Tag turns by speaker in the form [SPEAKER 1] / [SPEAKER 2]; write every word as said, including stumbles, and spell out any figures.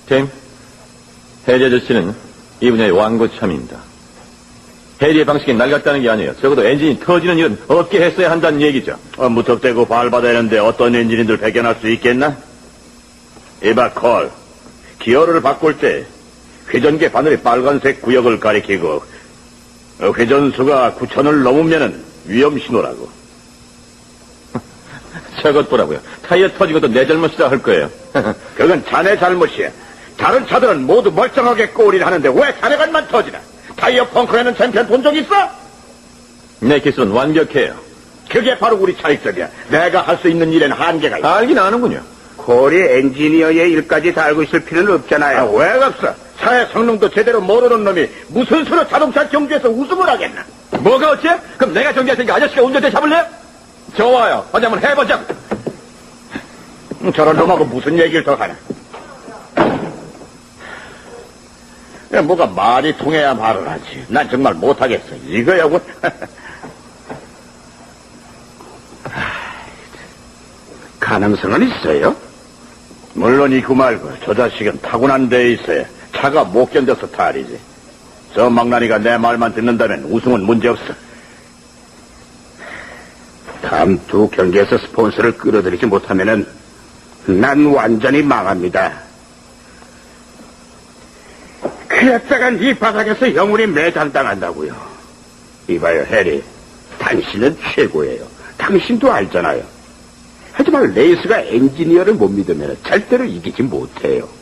[SPEAKER 1] 팀, 해리 아저씨는 이 분야의 완고참입니다. 해리의 방식이 낡았다는 게 아니에요. 적어도 엔진이 터지는 일은 없게 했어야 한다는 얘기죠.
[SPEAKER 2] 어, 무턱대고 발받아야하는데 어떤 엔진인들 발견할 수 있겠나? 이봐, 콜. 기어를 바꿀 때 회전계 바늘이 빨간색 구역을 가리키고 어, 회전수가 구천을 넘으면은 위험 신호라고.
[SPEAKER 1] 저것 보라고요. 타이어 터진 것도 내 잘못이라 할 거예요.
[SPEAKER 2] 그건 자네 잘못이야. 다른 차들은 모두 멀쩡하게 꼬리를 하는데 왜 자네간만 터지나? 타이어 펑크라는 챔피언 본 적 있어?
[SPEAKER 1] 내 기술은 완벽해요.
[SPEAKER 2] 그게 바로 우리 차익점이야. 내가 할 수 있는 일에는 한계가 있어.
[SPEAKER 1] 알긴 아는군요.
[SPEAKER 3] 콜이 엔지니어의 일까지 다 알고 있을 필요는 없잖아요.
[SPEAKER 2] 아, 왜 없어? 차의 성능도 제대로 모르는 놈이 무슨 수로 자동차 경주에서 우승을 하겠나?
[SPEAKER 1] 뭐가 어째? 그럼 내가 정지할 테니까 아저씨가 운전대 잡을래요? 좋아요. 어디 한번 해보자고.
[SPEAKER 2] 음, 저런 놈하고 무슨 얘기를 더 하나? 야, 뭐가 말이 통해야 말을 하지. 난 정말 못하겠어. 이거야군.
[SPEAKER 3] 가능성은 있어요?
[SPEAKER 2] 물론 이구 말고 저 자식은 타고난 데에 있어야 차가 못 견뎌서 탈이지. 저 망나니가 내 말만 듣는다면 우승은 문제없어.
[SPEAKER 3] 다음 두 경기에서 스폰서를 끌어들이지 못하면은 난 완전히 망합니다. 그랬다간 이 바닥에서 영원히 매장당한다고요. 이봐요, 해리. 당신은 최고예요. 당신도 알잖아요. 하지만 레이스가 엔지니어를 못 믿으면 절대로 이기지 못해요.